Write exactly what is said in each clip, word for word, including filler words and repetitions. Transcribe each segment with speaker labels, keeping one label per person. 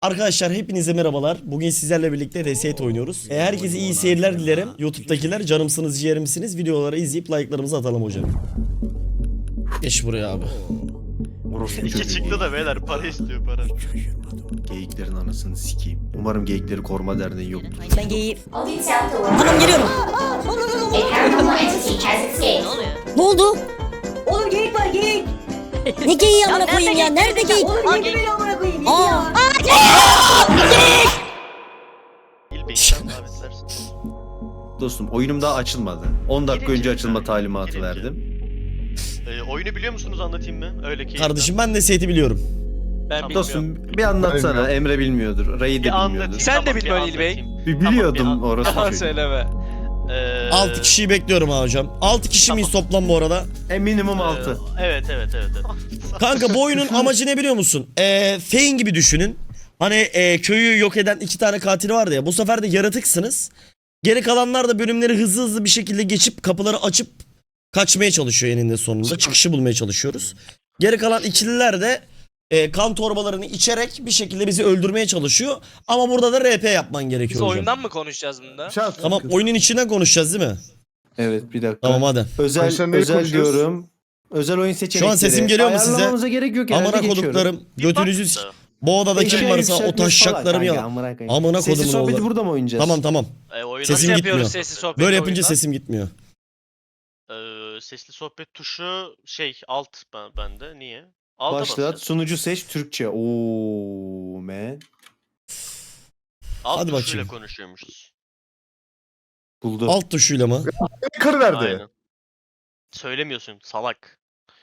Speaker 1: Arkadaşlar hepinize merhabalar. Bugün sizlerle birlikte Reset oynuyoruz. E, herkese iyi seyirler dilerim. YouTube'dakiler canımsınız, ciğerimsiniz. Videoları izleyip like'larımızı atalım hocam. Geç buraya abi.
Speaker 2: İki çıktı da beyler para istiyor para.
Speaker 3: Geyiklerin anasını sikeyim. Umarım Geyikleri Koruma Derneği yoktur.
Speaker 4: Ben geyim.
Speaker 5: All due south to
Speaker 4: Tamam geliyorum.
Speaker 5: A paranormal entity has escaped.
Speaker 4: Ne oldu?
Speaker 6: Oğlum geyik var geyik.
Speaker 4: Ne geyiği amına koyayım ya? Nerede geyik?
Speaker 6: Oğlum yedi beni amına koyayım yedi
Speaker 4: Aa.
Speaker 6: ya.
Speaker 2: İlbeyten davetler.
Speaker 3: Dostum oyunum daha açılmadı. on dakika önce açılma talimatı
Speaker 2: Birinci.
Speaker 3: verdim.
Speaker 2: Ee, oyunu biliyor musunuz, anlatayım mı? Öyle ki.
Speaker 1: Kardeşim ben de Reset'i biliyorum.
Speaker 2: Ben bilmiyorum.
Speaker 3: Dostum bir anlatsana. Emre bilmiyordur. Ray de
Speaker 2: Bir anlatayım.
Speaker 3: bilmiyordur.
Speaker 7: Sen de
Speaker 2: Tamam,
Speaker 7: bilmiyorsun
Speaker 2: bir
Speaker 7: İlbey.
Speaker 2: anlatayım.
Speaker 3: Bir
Speaker 2: Tamam,
Speaker 3: biliyordum
Speaker 2: bir an-
Speaker 3: orası.
Speaker 7: Yalan
Speaker 3: çocuğu.
Speaker 7: söyleme.
Speaker 2: Ee,
Speaker 1: altı kişiyi bekliyorum ha hocam. altı kişi miyiz toplam bu arada?
Speaker 3: E minimum
Speaker 2: e,
Speaker 3: altı.
Speaker 2: Evet evet evet. evet.
Speaker 1: Kanka bu oyunun amacı ne biliyor musun? Ee, Fein gibi düşünün. Hani e, köyü yok eden iki tane katil vardı ya. Bu sefer de yaratıksınız. Geri kalanlar da bölümleri hızlı hızlı bir şekilde geçip kapıları açıp kaçmaya çalışıyor eninde sonunda. Çıkışı bulmaya çalışıyoruz. Geri kalan ikililer de e, kan torbalarını içerek bir şekilde bizi öldürmeye çalışıyor. Ama burada da R P yapman
Speaker 7: Biz
Speaker 1: gerekiyor hocam.
Speaker 7: oyundan mı konuşacağız bunda?
Speaker 1: Tamam, oyunun içinden konuşacağız değil mi?
Speaker 3: Evet bir dakika.
Speaker 1: Tamam hadi.
Speaker 3: Özel
Speaker 8: Arkadaşlar neyi
Speaker 3: özel
Speaker 8: konuşuyoruz?
Speaker 3: diyorum. Özel oyun seçenekleri.
Speaker 1: Şu an sesim geliyor mu size?
Speaker 3: Ayarlamamıza gerek yok. herhalde
Speaker 1: Amına
Speaker 3: geçiyorum.
Speaker 1: koduklarım. Götünüzü s-
Speaker 2: Da.
Speaker 1: bu odada kim
Speaker 3: Eşeğe
Speaker 1: varsa o
Speaker 3: yükseltmek
Speaker 1: taşşaklarımı
Speaker 3: falan
Speaker 1: ya.
Speaker 3: kanka, amına koyayım.
Speaker 1: Amına
Speaker 3: Sessiz
Speaker 1: kodumun
Speaker 3: sohbeti
Speaker 1: oğlu.
Speaker 3: burada mı oynayacağız?
Speaker 1: Tamam tamam.
Speaker 2: E, oyuna
Speaker 1: Sesim
Speaker 7: Nasıl
Speaker 1: gitmiyor.
Speaker 7: yapıyoruz sessiz sohbet
Speaker 1: Böyle yapınca
Speaker 7: oyundan?
Speaker 1: sesim gitmiyor.
Speaker 2: Ee, sesli sohbet tuşu şey alt ben, bende. Niye? Alta
Speaker 3: Başlat.
Speaker 2: basacağız.
Speaker 3: Sunucu seç Türkçe. Oo man.
Speaker 2: Alt
Speaker 1: Hadi
Speaker 2: tuşuyla
Speaker 1: bakayım.
Speaker 2: konuşuyormuşuz.
Speaker 3: Buldu.
Speaker 1: Alt tuşuyla mı?
Speaker 8: Karı verdi.
Speaker 2: Aynen. Söylemiyorsun salak.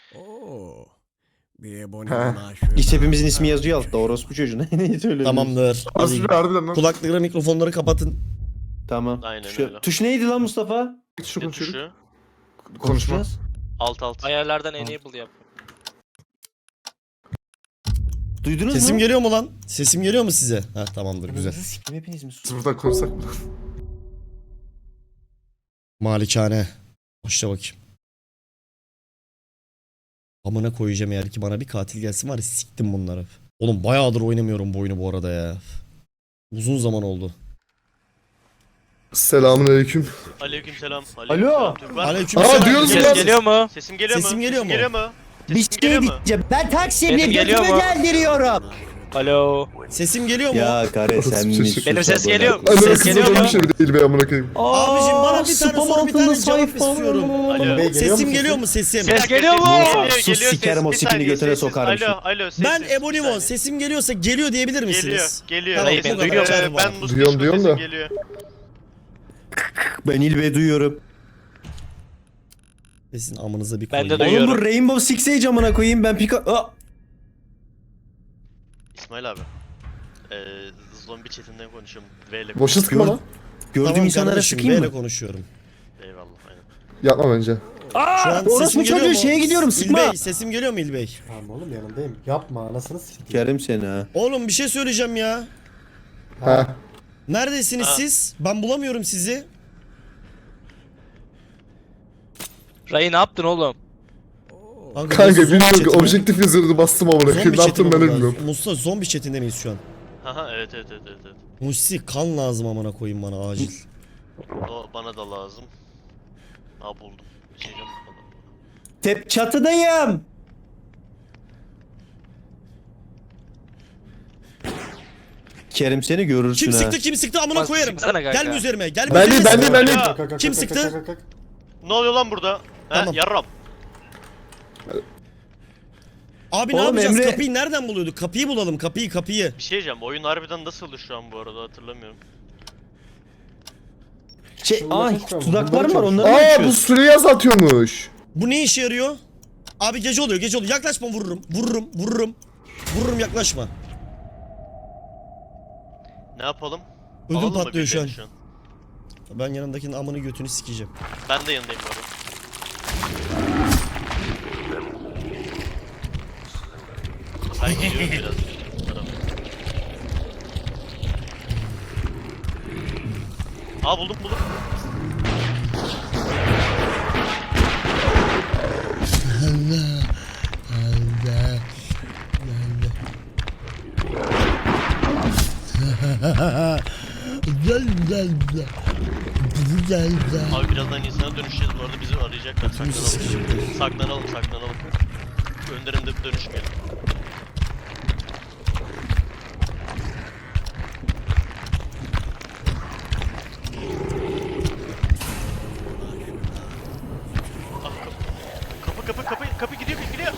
Speaker 3: İşte hepimizin ismi yazıyor altta. Orospu çocuğu. Ne ne söylüyorsun?
Speaker 1: Tamamdır. Hadi.
Speaker 8: Aslında harbiden lan.
Speaker 1: Kulaklıkları, mikrofonları kapatın.
Speaker 3: Tamam.
Speaker 2: Aynen
Speaker 3: Şu-
Speaker 2: öyle.
Speaker 3: Tuş neydi lan Mustafa?
Speaker 8: Şu
Speaker 2: Ne
Speaker 8: konuşuyorduk.
Speaker 2: tuşu?
Speaker 8: Konuşma.
Speaker 2: Alt alt.
Speaker 7: Ayarlardan enable yap.
Speaker 3: Duydunuz
Speaker 1: Sesim
Speaker 3: mu?
Speaker 1: geliyor mu lan? Sesim geliyor mu size? Ha tamamdır güzel.
Speaker 3: Ananızı sikim hepiniz mi?
Speaker 8: Biz buradan konuşsak mı?
Speaker 1: Malikane. Başla bakayım. Amına koyacağım eğer ki bana bir katil gelsin var ya siktim bunları. Oğlum bayağıdır oynamıyorum bu oyunu bu arada ya. Uzun zaman oldu.
Speaker 8: Selamünaleyküm.
Speaker 2: Aleykümselam.
Speaker 3: Alo.
Speaker 2: Türk var mı?
Speaker 1: Aleykümselam.
Speaker 8: Aa, duyuyoruz
Speaker 7: Ses
Speaker 8: lan.
Speaker 7: geliyor mu?
Speaker 2: Sesim geliyor mu?
Speaker 1: Sesim geliyor mu?
Speaker 2: Geliyor mu?
Speaker 9: Bir
Speaker 2: Sesim
Speaker 9: şey
Speaker 2: geliyor mu?
Speaker 9: diyeceğim. Ben Taksim'e
Speaker 7: Sesim geliyor
Speaker 9: götümü
Speaker 7: mu?
Speaker 9: geldiriyorum.
Speaker 7: Alo.
Speaker 1: Sesim geliyor mu?
Speaker 3: Ya kare sen mi? sus
Speaker 7: Benim ses
Speaker 3: amına
Speaker 7: geliyor mu?
Speaker 3: koyayım.
Speaker 8: Ananı
Speaker 7: Ses geliyor
Speaker 8: kızı
Speaker 7: mu?
Speaker 8: bir şey değil be amına koyayım.
Speaker 1: Abicim bana bir tane
Speaker 3: spam
Speaker 1: soru bir
Speaker 3: altında
Speaker 1: tane cevap
Speaker 3: sayfa.
Speaker 1: istiyorum.
Speaker 2: Alo.
Speaker 1: Sesim geliyor mu sesim?
Speaker 7: Ses geliyor mu?
Speaker 2: Geliyor,
Speaker 3: Sus,
Speaker 2: geliyor,
Speaker 3: sikerim o
Speaker 2: ses- bir
Speaker 3: sikini
Speaker 2: saniye,
Speaker 3: götüne
Speaker 2: sessiz.
Speaker 3: sokarım
Speaker 2: Alo, alo, sessiz,
Speaker 1: Ben
Speaker 2: bir
Speaker 1: Ebonimo
Speaker 2: saniye.
Speaker 1: sesim geliyorsa geliyor diyebilir misiniz?
Speaker 2: Geliyor, geliyor.
Speaker 1: Tamam,
Speaker 7: Hayır, ben
Speaker 1: bu kadar.
Speaker 7: duyuyorum.
Speaker 1: Çağrı
Speaker 2: Ee,
Speaker 1: var.
Speaker 2: ben Mustafa
Speaker 8: Duyuyorum, duyuyorum
Speaker 2: sesim
Speaker 8: da.
Speaker 2: geliyor.
Speaker 3: Ben İlbe duyuyorum.
Speaker 1: Sizin amınıza bir
Speaker 7: Ben de
Speaker 1: koyayım.
Speaker 7: duyuyorum.
Speaker 3: Oğlum bu Rainbow Six Siege amına koyayım ben pika... Aa!
Speaker 2: İsmail abi. Ee, zombi chatinden konuşuyorum. V ile
Speaker 8: Boşa sıkma lan.
Speaker 3: Gördüğüm
Speaker 1: Tamam
Speaker 3: insanlara
Speaker 1: kardeşim,
Speaker 3: sıkayım
Speaker 1: B'yle
Speaker 3: mı?
Speaker 1: konuşuyorum.
Speaker 2: Eyvallah aynen.
Speaker 8: Yapma bence.
Speaker 1: Şu an
Speaker 3: orospu
Speaker 1: sesim geliyor
Speaker 3: çocuğu,
Speaker 1: mu?
Speaker 3: şeye gidiyorum, sıkma.
Speaker 1: İlbey sesim geliyor mu İlbey?
Speaker 10: Tamam oğlum yanındayım. Yapma anasını sikeyim.
Speaker 3: Sikerim seni ha.
Speaker 1: Oğlum bir şey söyleyeceğim ya.
Speaker 8: Ha.
Speaker 1: Neredesiniz
Speaker 2: Ha.
Speaker 1: siz? Ben bulamıyorum sizi.
Speaker 7: Ray ne yaptın oğlum?
Speaker 1: Kanka,
Speaker 8: Kanka
Speaker 1: nasıl zombi
Speaker 8: bilmiyorum ki
Speaker 1: chat'i mi?
Speaker 8: objektif yazarını bastım amına koyayım.
Speaker 1: Zombi
Speaker 8: Ne
Speaker 1: chat'i
Speaker 8: yaptım
Speaker 1: mi
Speaker 8: ben de
Speaker 1: burada?
Speaker 8: bilmiyorum.
Speaker 1: Mustafa zombi chatinde miyiz şu an?
Speaker 2: Haha evet evet evet evet. evet.
Speaker 1: Musi kan lazım amına koyayım bana acil.
Speaker 2: O bana da lazım. Aa buldum. Bir şey diyeceğim.
Speaker 3: Tep çatıdayım. Kerim seni görürsün
Speaker 1: Kim
Speaker 3: ha.
Speaker 1: sıktı kim sıktı amına
Speaker 7: Bas,
Speaker 1: koyarım.
Speaker 7: sıksana kanka.
Speaker 1: Gelme üzerime gelme
Speaker 8: Ben değil
Speaker 1: üzerime.
Speaker 8: ben değil ben değil.
Speaker 2: Ya,
Speaker 10: Kalk, kalk, kalk,
Speaker 1: Kim
Speaker 10: kalk,
Speaker 1: sıktı?
Speaker 10: kalk, kalk, kalk.
Speaker 2: Ne oluyor lan burada? He
Speaker 1: Tamam.
Speaker 2: yarram.
Speaker 1: Abi ne
Speaker 3: Oğlum
Speaker 1: yapacağız?
Speaker 3: Emre-
Speaker 1: Kapıyı nereden buluyorduk? Kapıyı bulalım kapıyı kapıyı.
Speaker 2: Bir şey diyeceğim. Oyun harbiden nasıldı şu an bu arada hatırlamıyorum.
Speaker 3: Şey,
Speaker 10: Şunları
Speaker 3: ay
Speaker 10: çıkıyor mu?
Speaker 3: tuzaklar
Speaker 10: Bunları
Speaker 3: var
Speaker 10: çalışıyor.
Speaker 3: onları mı
Speaker 8: Aa bu
Speaker 3: açıyoruz?
Speaker 8: süreyi azaltıyormuş.
Speaker 1: Bu ne işe yarıyor? Abi gece oluyor gece oluyor yaklaşma vururum vururum vururum. Vururum yaklaşma.
Speaker 2: Ne yapalım?
Speaker 1: Ödüm
Speaker 2: Alalım mı
Speaker 1: patlıyor şu an.
Speaker 2: birilerini
Speaker 1: Ben yanındakinin amını götünü sikeceğim.
Speaker 2: Ben de yanındayım bu arada. Ben gidiyorum biraz. Aa buldum buldum.
Speaker 1: Güzel güzel güzel. Güzel güzel.
Speaker 2: Abi birazdan insana dönüşeceğiz bu arada bizi arayacaklar. Saklanalım. Saklanalım saklanalım. Önlerinde bir dönüşmeyelim. Ah, kapı. Kapı kapı kapı kapı gidiyor gidiyor.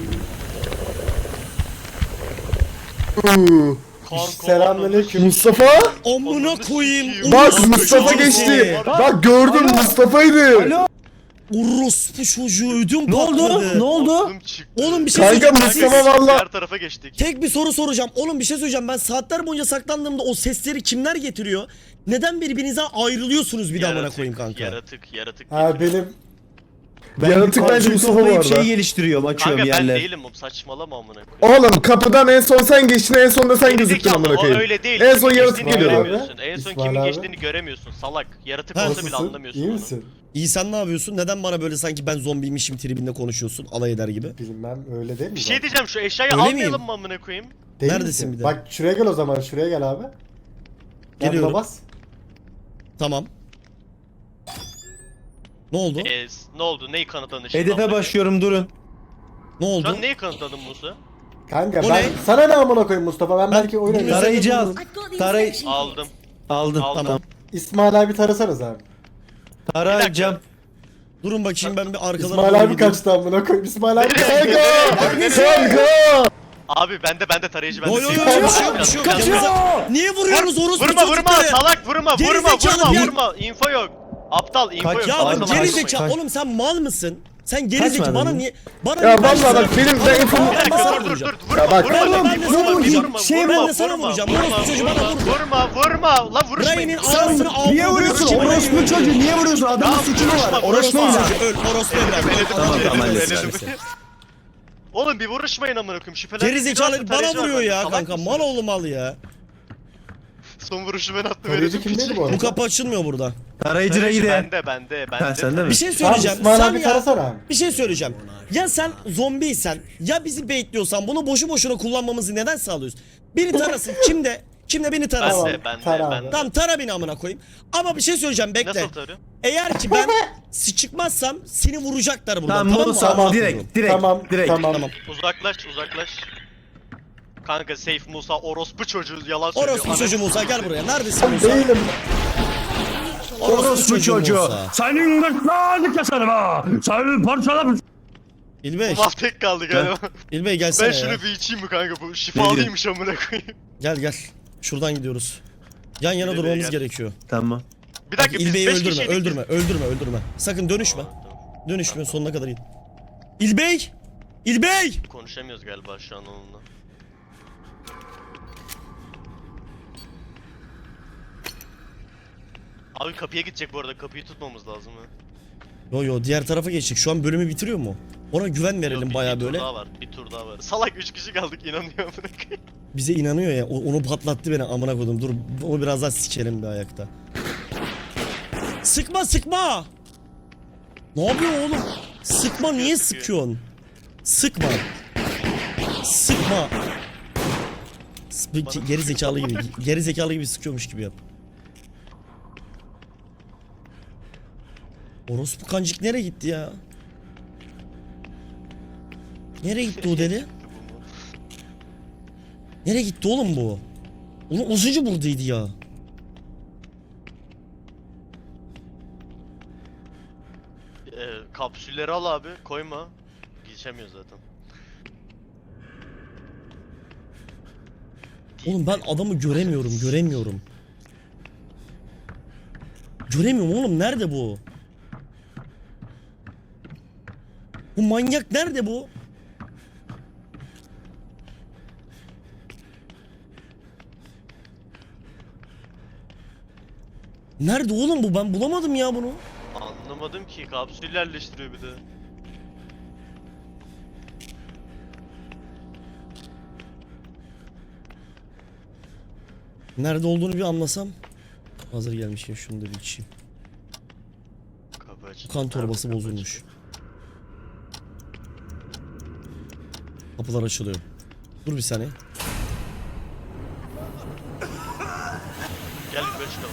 Speaker 8: Uuu.
Speaker 2: Kanka,
Speaker 10: Selamünaleyküm.
Speaker 8: Mustafa?
Speaker 1: Amına koyayım.
Speaker 8: Bak
Speaker 1: orospu
Speaker 8: Mustafa
Speaker 1: çocuğu
Speaker 8: geçti.
Speaker 1: seni.
Speaker 8: Bak gördüm Mustafa'ydı.
Speaker 1: Orospu çocuğu ödüm
Speaker 3: Ne oldu?
Speaker 1: patladı.
Speaker 3: Ne oldu?
Speaker 2: Aklım çıktı.
Speaker 1: Oğlum bir şey
Speaker 8: Kanka
Speaker 1: söyleyeceğim.
Speaker 8: Mustafa
Speaker 1: Siz-
Speaker 8: valla.
Speaker 2: Diğer tarafa geçtik.
Speaker 1: Tek bir soru soracağım. Oğlum bir şey söyleyeceğim. Ben saatler boyunca saklandığımda o sesleri kimler getiriyor? Neden birbirinizden ayrılıyorsunuz bir daha amına
Speaker 2: Yaratık,
Speaker 1: koyayım kanka?
Speaker 2: Yaratık yaratık.
Speaker 10: Ha
Speaker 2: getiriyor.
Speaker 10: benim
Speaker 3: Ben
Speaker 8: Yaratık
Speaker 3: yukarı
Speaker 8: bence Mustafa bu
Speaker 3: toplayıp
Speaker 8: arada.
Speaker 3: şey geliştiriyorum, açıyorum
Speaker 2: Kanka ben
Speaker 3: yerler.
Speaker 2: değilim oğlum saçmalama amına koyayım.
Speaker 8: Oğlum kapıdan en son sen geçtin, en son da sen
Speaker 2: Geri
Speaker 8: gözüktün
Speaker 2: zekalı,
Speaker 8: amına
Speaker 2: o
Speaker 8: koyayım.
Speaker 2: öyle değil.
Speaker 8: En son
Speaker 2: Kimin
Speaker 8: yaratık
Speaker 2: geçtiğini
Speaker 8: geliyordu.
Speaker 2: göremiyorsun. En son
Speaker 10: İsmail
Speaker 2: kimin
Speaker 10: abi.
Speaker 2: geçtiğini göremiyorsun. Salak. Yaratık
Speaker 1: Ha,
Speaker 2: olsa bile
Speaker 10: nasılsın?
Speaker 2: anlamıyorsun
Speaker 10: İyi
Speaker 2: onu.
Speaker 10: misin?
Speaker 1: İyi sen ne yapıyorsun? Neden bana böyle sanki ben zombiymişim tribinde konuşuyorsun? Alay eder gibi.
Speaker 10: Bilmem öyle değil mi?
Speaker 2: Bir şey
Speaker 10: zaten?
Speaker 2: diyeceğim şu eşyayı
Speaker 1: Öyle
Speaker 2: almayalım
Speaker 1: miyim?
Speaker 2: mı amına koyayım?
Speaker 10: Değil
Speaker 1: Neredesin
Speaker 10: misin?
Speaker 1: bir de?
Speaker 10: Bak şuraya gel o zaman. Şuraya gel abi. Gel
Speaker 1: Geliyorum.
Speaker 10: buna bas.
Speaker 1: Tamam. Ne oldu?
Speaker 2: Ee, s- ne oldu? Neyi kanıtladın şimdi?
Speaker 3: Hedefe
Speaker 2: amına koyayım?
Speaker 3: başlıyorum, durun.
Speaker 1: Ne
Speaker 2: Şu
Speaker 1: oldu?
Speaker 2: an neyi kanıtladın Musa?
Speaker 10: Kanka
Speaker 1: O
Speaker 10: ben
Speaker 1: ne?
Speaker 10: sana ne amına koyayım Mustafa? Ben,
Speaker 1: Ben-
Speaker 10: belki oyun oynarım.
Speaker 3: Tarayıcı al. Taray
Speaker 2: Aldım.
Speaker 3: aldım.
Speaker 2: Aldım.
Speaker 3: Tamam.
Speaker 10: İsmail abi tarasanız abi.
Speaker 3: Tarayacağım.
Speaker 1: Durun bakayım ben bir arkadan
Speaker 10: İsmail abi kaçtı amına koyayım. İsmail abi
Speaker 8: Kanka! Kanka!
Speaker 2: Abi bende bende tarayıcı bende.
Speaker 1: Yo yo yo
Speaker 2: Kaçıyor.
Speaker 1: bir şey yok bir şey yok. Yanımıza- Niye vuruyorsunuz orospu
Speaker 2: Vurma vurma
Speaker 1: çocukları?
Speaker 2: salak vurma
Speaker 1: Geri
Speaker 2: vurma
Speaker 1: zekalı
Speaker 2: vurma
Speaker 1: bir-
Speaker 2: vurma. Info yok. Aptal info
Speaker 3: Kaç-
Speaker 2: yok.
Speaker 1: Ya
Speaker 3: Aynen,
Speaker 1: bak
Speaker 2: Salak
Speaker 1: geri
Speaker 3: kaç-
Speaker 1: zekalı.
Speaker 3: kaç-
Speaker 1: Oğlum sen mal mısın? Sen geri zekalı
Speaker 3: Kaçmadın
Speaker 1: bana
Speaker 3: mı?
Speaker 1: niye bana
Speaker 8: Ya
Speaker 1: niye ben
Speaker 8: vallahi bak benim ben info...
Speaker 2: Bir dakika
Speaker 1: sana
Speaker 2: dur dur
Speaker 1: vuracağım.
Speaker 2: dur. Vurma
Speaker 8: Ya bak-
Speaker 2: vurma.
Speaker 1: Oğlum,
Speaker 2: vurma,
Speaker 1: ben de
Speaker 2: vurma,
Speaker 1: sana vuracağım.
Speaker 2: vurma,
Speaker 1: Şey,
Speaker 2: vurma,
Speaker 1: ben de sana
Speaker 2: vurma,
Speaker 1: vuracağım.
Speaker 2: Vurma
Speaker 1: Orospu çocuğu bana vurdu.
Speaker 2: vurma vurma. Lan vuruşmayın.
Speaker 1: Ryan'in anasını avradını
Speaker 3: Niye vuruyorsun?
Speaker 1: sikeyim.
Speaker 3: Orospu çocuğu niye vuruyorsun? Adamın suçu mu var?
Speaker 1: Orospu
Speaker 3: Orospu mu var?
Speaker 1: çocuğu öl. Orospu evlat.
Speaker 3: Tamam,
Speaker 1: Öl.
Speaker 3: tamam,
Speaker 1: Öl.
Speaker 3: hallederiz,
Speaker 1: Öl.
Speaker 3: hallederiz.
Speaker 2: Oğlum bir vuruşmayın amına koyayım. Şüphelen.
Speaker 1: Geri zekalı bana vuruyor ya kanka. Mal oğlu mal ya.
Speaker 2: Son vuruşu ben attım.
Speaker 10: Tarayıcı kimdeydi bu
Speaker 1: Bu
Speaker 10: arada?
Speaker 1: kapı açılmıyor burada.
Speaker 3: Tarayıcı Ray'i de.
Speaker 2: Bende bende bende.
Speaker 3: Ha sende mi?
Speaker 1: Bir şey
Speaker 10: Tamam
Speaker 1: söyleyeceğim.
Speaker 10: İsmail
Speaker 1: Sen
Speaker 10: abi
Speaker 1: ya
Speaker 10: tarasana abi.
Speaker 1: bir şey söyleyeceğim. Ya sen zombiysen ya bizi baitliyorsan bunu boşu boşuna kullanmamızı neden sağlıyorsun? Beni tarasın. Kimde? Kimde beni tarasın?
Speaker 2: Bende bende
Speaker 10: Tara abi.
Speaker 2: bende.
Speaker 1: Tamam tara beni amına koyayım. Ama bir şey söyleyeceğim bekle.
Speaker 2: Nasıl tarıyor?
Speaker 1: Eğer ki ben çıkmazsam seni vuracaklar buradan.
Speaker 3: Tamam,
Speaker 1: Tamam,
Speaker 3: Musa,
Speaker 1: mı?
Speaker 10: Tamam.
Speaker 3: direkt, direkt,
Speaker 10: Tamam,
Speaker 3: direkt.
Speaker 10: tamam.
Speaker 1: Tamam.
Speaker 2: Uzaklaş uzaklaş. Kanka safe Musa orospu çocuğu yalan söylüyor.
Speaker 1: Orospu çocuğu Musa gel buraya. Neredesin Musa?
Speaker 10: Değilim.
Speaker 1: Orospu çocuğu Musa.
Speaker 9: Senin gırtlağını keserim ha. Seni parçalarım.
Speaker 1: İlbey.
Speaker 2: Ulan tek kaldı galiba.
Speaker 1: İlbey gelsene
Speaker 2: Ben şunu
Speaker 1: ya.
Speaker 2: bir içeyim mi kanka bu şifalıymış amına koyayım.
Speaker 1: Gel gel. Şuradan gidiyoruz. Yan yana
Speaker 2: İlbey
Speaker 1: durmamız
Speaker 2: gel.
Speaker 1: gerekiyor.
Speaker 3: Tamam.
Speaker 2: Bir dakika biz
Speaker 1: İlbey'i
Speaker 2: beş
Speaker 1: öldürme,
Speaker 2: kişiydik.
Speaker 1: öldürme, öldürme, öldürme. Sakın dönüşme. Dönüşme, sonuna kadar in. İlbey! İlbey!
Speaker 2: Konuşamıyoruz galiba şu an onunla. Abi kapıya gidecek bu arada kapıyı tutmamız lazım ha.
Speaker 1: Yo yo diğer tarafa geçtik. Şu an bölümü bitiriyor mu? Ona güven
Speaker 2: Yok,
Speaker 1: verelim
Speaker 2: bir-
Speaker 1: bayağı
Speaker 2: bir
Speaker 1: böyle.
Speaker 2: tur daha var bir tur daha var. Salak üç kişi kaldık inanıyor amına koyayım.
Speaker 1: Bize inanıyor ya. o- Onu patlattı beni amına koydum. Dur onu biraz daha sikelim bir ayakta. Sıkma sıkma! Ne yapıyor oğlum? Sıkma niye sıkıyorsun? Sıkma. Sıkma. S- bir- Geri zekalı gibi. Geri zekalı gibi sıkıyormuş gibi yap. Orospu kancık nereye gitti ya? Nereye gitti o deli? Nereye gitti oğlum bu? Oğlum az önce buradaydı ya.
Speaker 2: Ee, kapsülleri al abi koyma. Geçemiyor zaten.
Speaker 1: Oğlum ben adamı göremiyorum, göremiyorum. Göremiyorum oğlum, nerede bu? Bu manyak nerede bu? Nerede oğlum bu? Ben bulamadım ya bunu.
Speaker 2: Anlamadım ki kapsül yerleştiriyor bir de.
Speaker 1: Nerede olduğunu bir anlasam. Hazır gelmişken şunu da bir içeyim.
Speaker 2: Kapı açıldı.
Speaker 1: Kan torbası
Speaker 2: Kapı
Speaker 1: bozulmuş.
Speaker 2: açıldı.
Speaker 1: Kapılar açılıyor. Dur bir saniye.
Speaker 2: Gel yukarı çıkalım.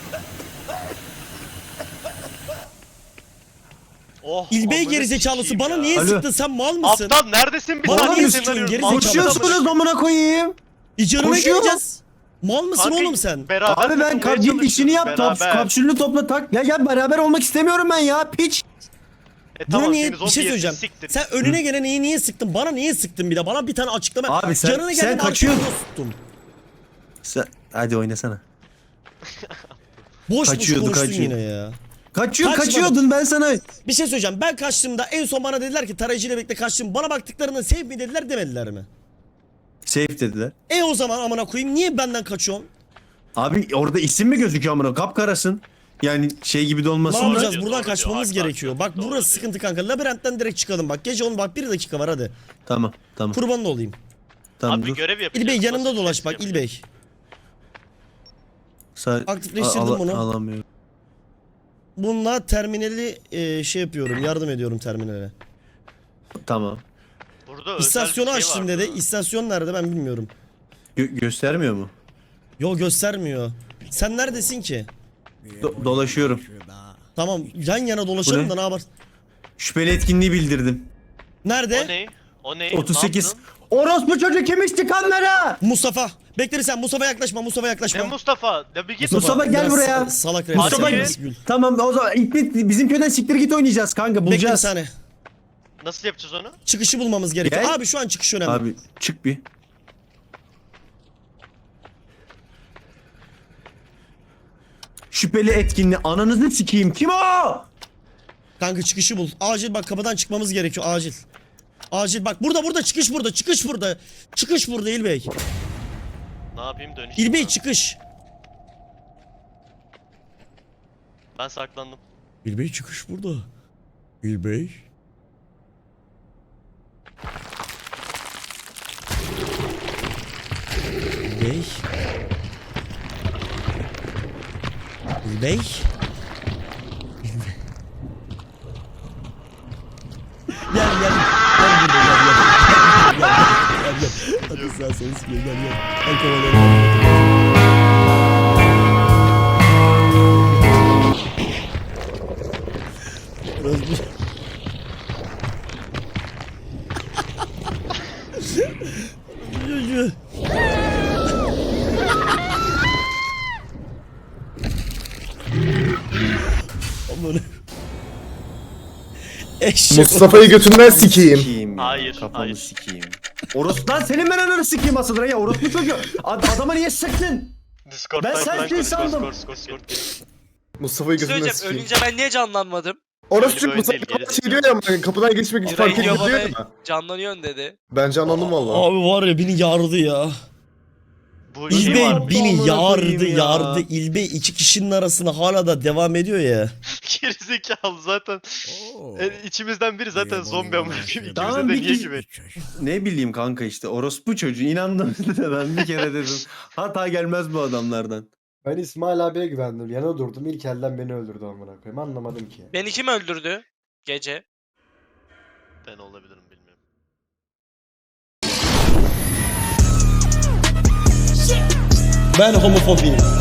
Speaker 2: Oh,
Speaker 1: İlbey
Speaker 2: amına
Speaker 1: gerizekalısı
Speaker 2: sikeyim
Speaker 1: bana
Speaker 2: ya.
Speaker 1: niye
Speaker 3: Alo.
Speaker 1: sıktın, sen mal mısın?
Speaker 2: Aptal neredesin bir
Speaker 1: Bana
Speaker 2: saniye
Speaker 1: niye
Speaker 2: seni
Speaker 1: sıkıyorsun,
Speaker 2: arıyorum.
Speaker 1: gerizekalı?
Speaker 3: Koşuyorsunuz amına koyayım.
Speaker 1: İcanına
Speaker 3: Koşuyor.
Speaker 1: geleceğiz. Mal mısın
Speaker 2: Kanka,
Speaker 1: oğlum sen?
Speaker 2: Beraber
Speaker 3: Abi ben
Speaker 2: takılmaya
Speaker 3: kap git
Speaker 2: çalışıyoruz,
Speaker 3: işini yap. Top,
Speaker 2: beraber.
Speaker 3: kapsülünü topla tak. Ya gel beraber olmak istemiyorum ben ya piç.
Speaker 2: E
Speaker 1: Buna
Speaker 2: tamam,
Speaker 1: niye
Speaker 2: seni
Speaker 1: bir
Speaker 2: zombi
Speaker 1: şey
Speaker 2: yesin,
Speaker 1: söyleyeceğim.
Speaker 2: siktir.
Speaker 1: Sen önüne gelen iyi niye sıktın? Bana niye sıktın bir de? Bana bir tane açıklama.
Speaker 3: Abi sen-
Speaker 1: Canına
Speaker 3: sen
Speaker 1: geldim,
Speaker 3: kaçıyordun.
Speaker 1: arkasına tuttum.
Speaker 3: Sen, hadi oynasana.
Speaker 1: Boş boş
Speaker 3: Kaçıyordu,
Speaker 1: konuştun
Speaker 3: kaçıyordu.
Speaker 1: yine ya.
Speaker 3: Kaçıyor
Speaker 1: Kaçma.
Speaker 3: kaçıyordun ben sana.
Speaker 1: Bir şey söyleyeceğim. Ben kaçtığımda en son bana dediler ki tarayıcıyla birlikte kaçtım. Bana baktıklarında save mi dediler, demediler mi?
Speaker 3: Safe dediler.
Speaker 1: E o zaman amına koyayım niye benden kaçıyorsun?
Speaker 3: Abi orada isim mi gözüküyor amına? Kapkarasın. Yani şey gibi de
Speaker 1: Ne
Speaker 3: olmasın da.
Speaker 1: yapacağız?
Speaker 2: diyor,
Speaker 1: Buradan
Speaker 2: doğru
Speaker 1: kaçmamız
Speaker 2: diyor,
Speaker 1: gerekiyor.
Speaker 2: haklı,
Speaker 1: Bak
Speaker 2: doğru
Speaker 1: burası
Speaker 2: diyor.
Speaker 1: sıkıntı kanka. Labirentten direkt çıkalım bak. Gece on bak bir dakika var hadi.
Speaker 3: Tamam tamam.
Speaker 1: Kurban olayım.
Speaker 3: Tamam
Speaker 2: Abi
Speaker 3: dur.
Speaker 2: görev yapacağız.
Speaker 1: İlbey yanımda
Speaker 2: basit
Speaker 1: dolaş
Speaker 2: şey
Speaker 1: bak
Speaker 2: yapacağız.
Speaker 1: İlbey.
Speaker 3: Sa-
Speaker 1: Aktifleştirdim
Speaker 3: Al- al-
Speaker 1: bunu.
Speaker 3: Alamıyorum.
Speaker 1: Bununla terminali e, şey yapıyorum. Yardım ediyorum terminale.
Speaker 3: Tamam.
Speaker 2: Burada özel
Speaker 1: İstasyonu
Speaker 2: bir şey
Speaker 1: açtım
Speaker 2: var
Speaker 1: dedi.
Speaker 2: burada.
Speaker 1: İstasyon nerede ben bilmiyorum.
Speaker 3: Gö- göstermiyor mu?
Speaker 1: Yo göstermiyor. Sen neredesin ki?
Speaker 3: Do- dolaşıyorum.
Speaker 1: Tamam yan yana dolaşalım
Speaker 3: Bu ne?
Speaker 1: da ne yapar?
Speaker 3: Şüpheli etkinliği bildirdim.
Speaker 1: Nerede?
Speaker 2: O ne? O ne?
Speaker 3: otuz sekiz.
Speaker 2: Ne yaptın?
Speaker 3: Orospu çocuk kim içti kanlara?
Speaker 1: Mustafa. Bekle bir sen. Mustafa yaklaşma. Mustafa yaklaşma.
Speaker 2: Ne Mustafa? Ya bir git.
Speaker 3: Mustafa gel
Speaker 1: biraz
Speaker 3: buraya.
Speaker 1: sa- Salak
Speaker 2: Mustafa
Speaker 1: refleks
Speaker 2: gel.
Speaker 1: Gül.
Speaker 3: Tamam o zaman ilk bir- bizim köyden siktir git oynayacağız kanka
Speaker 1: Bekle bir
Speaker 3: bulacağız.
Speaker 1: saniye.
Speaker 2: Nasıl yapacağız onu?
Speaker 1: Çıkışı bulmamız gerekiyor.
Speaker 3: Gel.
Speaker 1: Abi şu an çıkış önemli.
Speaker 3: Abi çık bir. Şüpheli etkinliği ananızı sikeyim kim o?
Speaker 1: Kanka çıkışı bul. Acil bak kapıdan çıkmamız gerekiyor. Acil. Acil bak burada burada çıkış burada. Çıkış burada. Çıkış burada İlbey.
Speaker 2: Ne yapayım dönüş?
Speaker 1: İlbey çıkış.
Speaker 2: Ben saklandım.
Speaker 1: İlbey çıkış burada. İlbey. İlbey. İlbey. Gel gel. Gel burada gel gel. Gel gel. Gel gel. Hadi sağ sol sıkıyor gel gel. Gel kovalayalım. Biraz bir... Çocuğu. Aman. Eşek.
Speaker 8: Mustafa'yı götünden sikeyim.
Speaker 3: Sikeyim ya,
Speaker 2: Hayır,
Speaker 3: Kafamı
Speaker 2: hayır.
Speaker 3: sikeyim. Oros lan senin ben ananı sikeyim asıldır ya orospu çocuğu. Ad adama niye sıktın?
Speaker 2: Discord
Speaker 3: Ben
Speaker 2: ben
Speaker 3: sensin sandım.
Speaker 2: Discord, Discord, Discord.
Speaker 8: Mustafa'yı götünden
Speaker 7: Söyleyeceğim
Speaker 8: sikeyim.
Speaker 7: ölünce ben niye canlanmadım?
Speaker 8: Orası
Speaker 2: Öyle
Speaker 8: çünkü
Speaker 2: bir
Speaker 8: Mustafa
Speaker 2: oyun değil,
Speaker 8: şey diyor ya hani kapıdan geçmek için fark
Speaker 7: Radio
Speaker 8: ediyor
Speaker 7: bana
Speaker 8: ya.
Speaker 7: canlanıyorsun dedi.
Speaker 8: Bence anladım valla.
Speaker 1: Abi var ya beni yardı ya.
Speaker 2: Bu şey
Speaker 1: İlbey
Speaker 2: var.
Speaker 1: beni
Speaker 3: amına
Speaker 1: yardı
Speaker 3: koyayım ya.
Speaker 1: yardı. İlbey iki kişinin arasında hala da devam ediyor ya.
Speaker 2: Gerizekalı zaten. E, içimizden biri zaten zombi ama ikimize
Speaker 3: Tamam,
Speaker 2: de
Speaker 3: bir
Speaker 2: niye
Speaker 3: kişi-
Speaker 2: gibi?
Speaker 3: Ne bileyim kanka işte orospu çocuğu inandım da ben bir kere dedim. Hata gelmez bu adamlardan.
Speaker 10: Ben İsmail abiye güvendim. Yana durdum. İlk elden beni öldürdü amına koyayım. Anlamadım ki.
Speaker 7: Beni kim öldürdü? Gece.
Speaker 2: Ben olabilirim bilmiyorum.
Speaker 1: Ben homofobiyim.